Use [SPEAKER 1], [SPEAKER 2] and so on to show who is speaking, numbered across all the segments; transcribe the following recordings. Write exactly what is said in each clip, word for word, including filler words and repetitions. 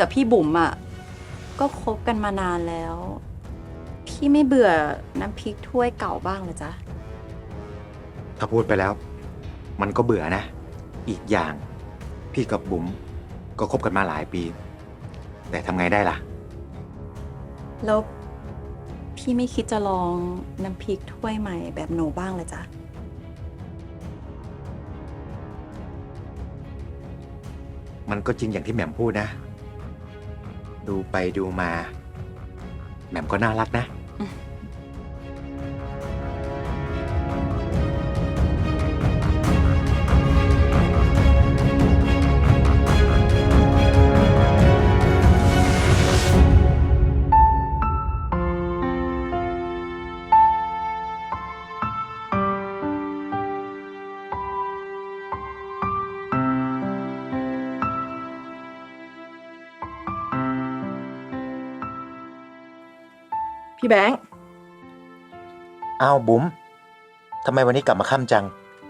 [SPEAKER 1] กับพี่บุ๋มอ่ะก็คบกันมานานแล้ว พี่ไม่เบื่อน้ำพริกถ้วยเก่าบ้างเหรอจ๊ะ
[SPEAKER 2] ถ้าพูดไปแล้ว มันก็เบื่อนะ อีกอย่าง พี่กับบุ๋มก็คบกันมาหลายปี แต่ทำไงได้ล่ะ
[SPEAKER 1] แล้วพี่ไม่คิดจะลองน้ำพริกถ้วยใหม่แบบหนูบ้างเหรอจ๊ะ
[SPEAKER 2] มันก็จริงอย่างที่แหม่มพูดนะ ดูไปดูมา แหม่มก็น่ารักนะ
[SPEAKER 3] พี่แบงค์
[SPEAKER 2] อ้าวบุ๋มทำไมวันนี้กลับมาค่ำจัง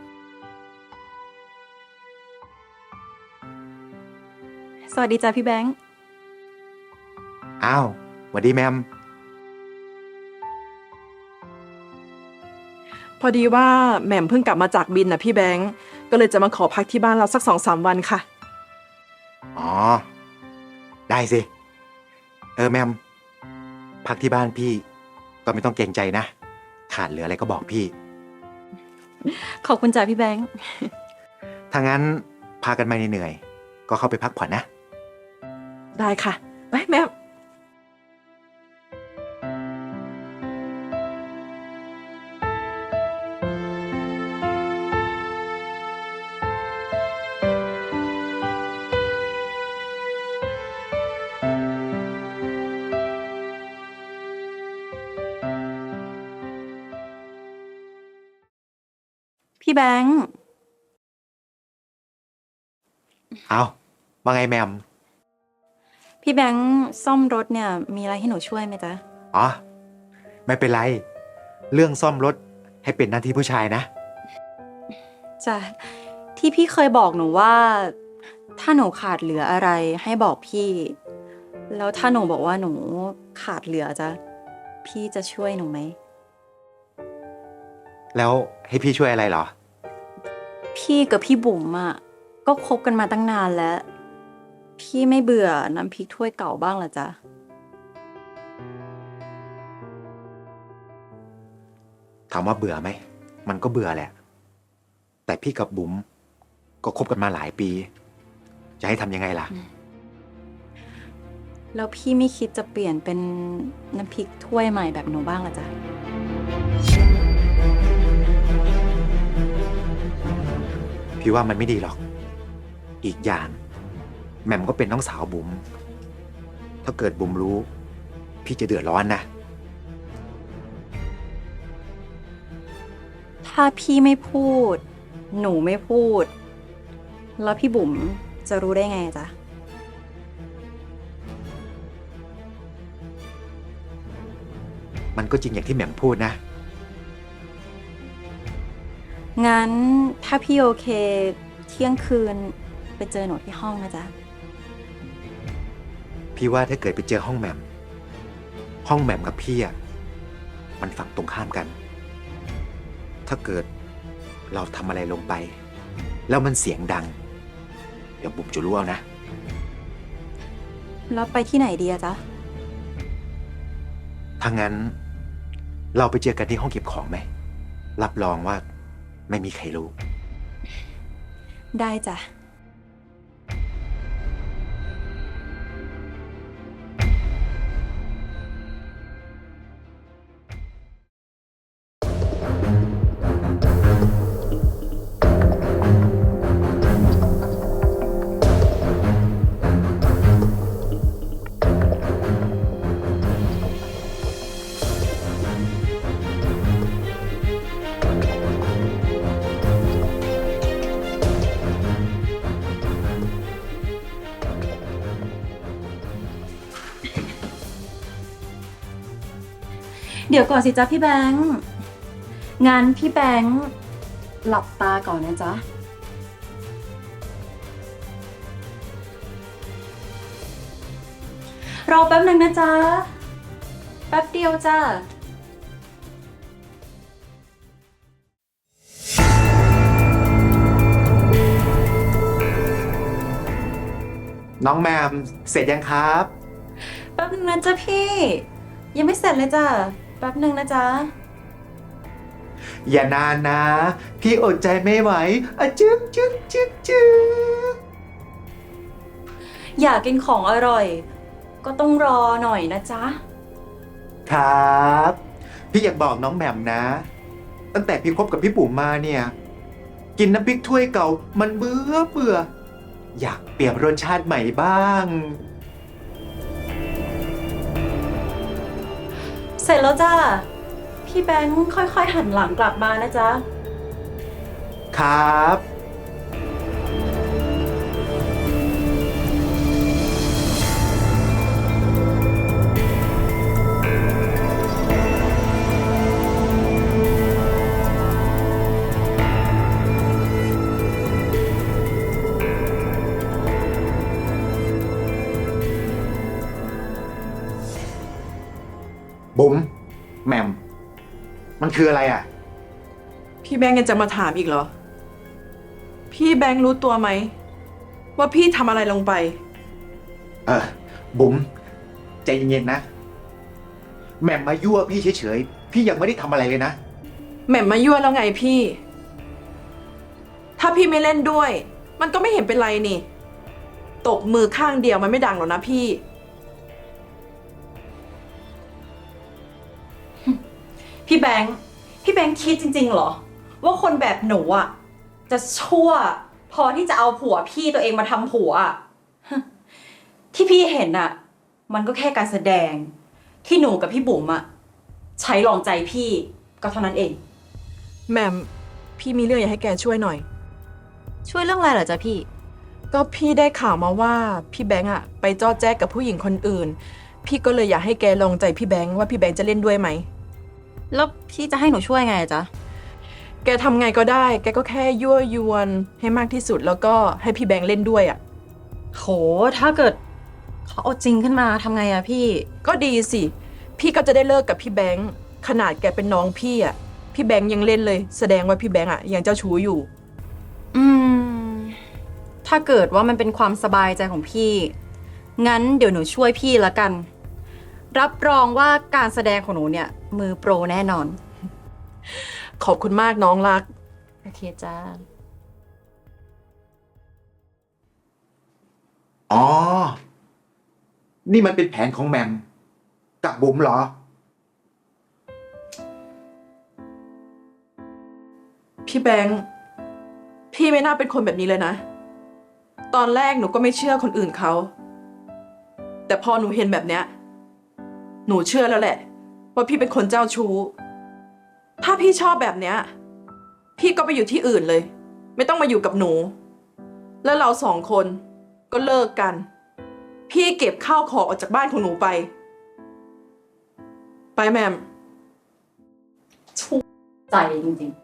[SPEAKER 1] สวัสดีจ้ะพี่แบงค์
[SPEAKER 2] อ้าวสวัสดีแมม
[SPEAKER 3] พอดีว่าแหม่มเพิ่งกลับมาจากบินนะพี่แบงค์ก็เลยจะมาขอพักที่บ้านเราสักสองสามวันค่ะ
[SPEAKER 2] อ๋อ ได้สิ เออแมม พักที่บ้านพี่ ก็ไม่ต้องเกรงใจนะ ขาดเหลืออะไรก็บอกพี่
[SPEAKER 1] ขอบคุณจ้ะพี่แบงค์
[SPEAKER 2] ถ้างั้นพากันมาเหนื่อยๆก็เข้าไปพักผ่อนนะ
[SPEAKER 3] ได้ค่ะไปแม่ม
[SPEAKER 1] พี่แบงค์
[SPEAKER 2] เอาว่าไงแมม
[SPEAKER 1] พี่แบงค์ซ่อมรถเนี่ยมีอะไรให้หนูช่วยไหมจ๊ะ
[SPEAKER 2] อ๋อ ไม่เป็นไร เรื่องซ่อมรถให้เป็นหน้าที่ผู้ชายนะ
[SPEAKER 1] จ้ะที่พี่เคยบอกหนูว่า ถ้าหนูขาดเหลืออะไรให้บอกพี่ แล้วถ้าหนูบอกว่าหนูขาดเหลือจะพี่จะช่วยหนูไหม
[SPEAKER 2] แล้วให้พี่ช่วยอะไรเหรอ
[SPEAKER 1] พี่กับพี่บุ๋มอ่ะก็คบกันมาตั้งนานแล้ว พี่ไม่เบื่อน้ำพริกถ้วยเก่าบ้างเหรอจ๊ะ
[SPEAKER 2] ถามว่าเบื่อไหม มันก็เบื่อแหละ แต่พี่กับบุ๋มก็คบกันมาหลายปี จะให้ทำยังไงล่ะ
[SPEAKER 1] แล้วพี่ไม่คิดจะเปลี่ยนเป็นน้ำพริกถ้วยใหม่แบบหนูบ้างเหรอจ๊ะ
[SPEAKER 2] พี่ว่ามันไม่ดีหรอก อีกอย่างแหม่มก็เป็นน้องสาวบุ๋ม ถ้าเกิดบุ๋มรู้ พี่จะเดือดร้อนนะ
[SPEAKER 1] ถ้าพี่ไม่พูด หนูไม่พูด แล้วพี่บุ๋มจะรู้ได้ไงอะจ๊ะ
[SPEAKER 2] มันก็จริงอย่างที่แหม่มพูดนะ
[SPEAKER 1] งั้นถ้าพี่โอเคเที่ยงคืนไปเจอหนูที่ห้องนะจ๊ะ
[SPEAKER 2] พี่ว่าถ้าเกิดไปเจอห้องแหม่ม ห้องแหม่มกับพี่อะมันฝั่งตรงข้ามกัน ถ้าเกิดเราทำอะไรลงไป แล้วมันเสียงดัง เดี๋ยวบุ๋มจะรู้เอานะ
[SPEAKER 1] แล้วไปที่ไหนดีอะจ๊ะ
[SPEAKER 2] ถ้างั้น เราไปเจอกันที่ห้องเก็บของไหม รับรองว่าไม่มีใครรู้
[SPEAKER 1] ได้จ้ะ เดี๋ยวก่อนสิจ๊ะพี่แบงค์งั้นพี่แบงค์หลับตาก่อนนะจ๊ะ พรอแป๊บหนึ่งนะจ๊ะ แป๊บเดียวจ้า
[SPEAKER 2] น้องแมมเสร็จยังครับ
[SPEAKER 1] แป๊บหนึ่งนะจ๊ะพี่ ยังไม่เสร็จเลยจ้ะ แป๊บหนึ่งนะจ๊ะ
[SPEAKER 2] อย่านานนะ พี่อดใจไม่ไหวอะจึ๊กจึ๊กจึ๊กจึ๊ก
[SPEAKER 1] อยากกินของอร่อย ก็ต้องรอหน่อยนะจ๊ะ
[SPEAKER 2] ครับ พี่อยากบอกน้องแหม่มนะ ตั้งแต่พี่คบกับพี่ปุ๋มมาเนี่ย กินน้ำพริกถ้วยเก่ามันเบื่อเบื่อ อยากเปลี่ยนรสชาติใหม่บ้าง
[SPEAKER 1] เสร็จแล้วจ้า พี่แบงค์ค่อยๆหันหลังกลับมานะจ๊ะ
[SPEAKER 2] ครับ บุ๋มแหม่มมันคืออะไรอ่ะ
[SPEAKER 3] พี่แบงค์ยังจะมาถามอีกเหรอ พี่แบงค์รู้ตัวไหม ว่าพี่ทำอะไรลงไป
[SPEAKER 2] เออบุ๋มใจเย็นๆนะ แหม่มมายั่วพี่เฉยๆ พี่ยังไม่ได้ทำอะไรเลยนะ
[SPEAKER 3] แหม่มมายั่วแล้วไงพี่ ถ้าพี่ไม่เล่นด้วย มันก็ไม่เห็นเป็นไรนี่ ตบมือข้างเดียวมันไม่ดังหรอกนะพี่
[SPEAKER 1] พี่แบงค์ พี่แบงค์คิดจริงๆเหรอ ว่าคนแบบหนูอ่ะ จะชั่ว พอที่จะเอาผัวพี่ตัวเองมาทำผัวอะ ที่พี่เห็นอ่ะ มันก็แค่การแสดง ที่หนูกับพี่บุ๋มอ่ะ ใช้ลองใจพี่ก็เท่านั้นเอง
[SPEAKER 3] แหม่มพี่มีเรื่องอยากให้แกช่วยหน่อย
[SPEAKER 1] ช่วยเรื่องอะไรเหรอจ๊ะพี่
[SPEAKER 3] ก็พี่ได้ข่าวมาว่าพี่แบงค์อะไปจ้อแจ๊กกับผู้หญิงคนอื่น พี่ก็เลยอยากให้แกลองใจพี่แบงค์ว่าพี่แบงค์จะเล่นด้วยไหม
[SPEAKER 1] แล้วพี่จะให้หนูช่วยไงอะจ๊ะ
[SPEAKER 3] แกทำไงก็ได้ แกก็แค่ยั่วยวนให้มากที่สุดแล้วก็ให้พี่แบงค์เล่นด้วยอะ
[SPEAKER 1] โห ถ้าเกิดเขาเอาจริงขึ้นมาทำไงอะพี่
[SPEAKER 3] ก็ดีสิ พี่ก็จะได้เลิกกับพี่แบงค์ขนาดแกเป็นน้องพี่อะพี่แบงค์ยังเล่นเลย แสดงว่าพี่แบงค์อะยังเจ้าชู้อยู่
[SPEAKER 1] อืม ถ้าเกิดว่ามันเป็นความสบายใจของพี่ งั้นเดี๋ยวหนูช่วยพี่ละกัน รับรองว่าการแสดงของหนูเนี่ย มือโปรแน่นอน
[SPEAKER 3] ขอบคุณมากน้องรัก
[SPEAKER 1] โอเคจ้า
[SPEAKER 2] อ๋อ นี่มันเป็นแผนของแหม่มกับบุ๋มเหรอ
[SPEAKER 3] พี่แบงค์พี่ไม่น่าเป็นคนแบบนี้เลยนะ ตอนแรกหนูก็ไม่เชื่อคนอื่นเขา แต่พอหนูเห็นแบบเนี้ย หนูเชื่อแล้วแหละ ว่าพี่เป็นคนเจ้าชู้ ถ้าพี่ชอบแบบเนี้ย พี่ก็ไปอยู่ที่อื่นเลย ไม่ต้องมาอยู่กับหนู แล้วเราสองคนก็เลิกกัน พี่เก็บข้าวของออกจากบ้านของหนูไป ไปแมม
[SPEAKER 1] ใจจริงๆ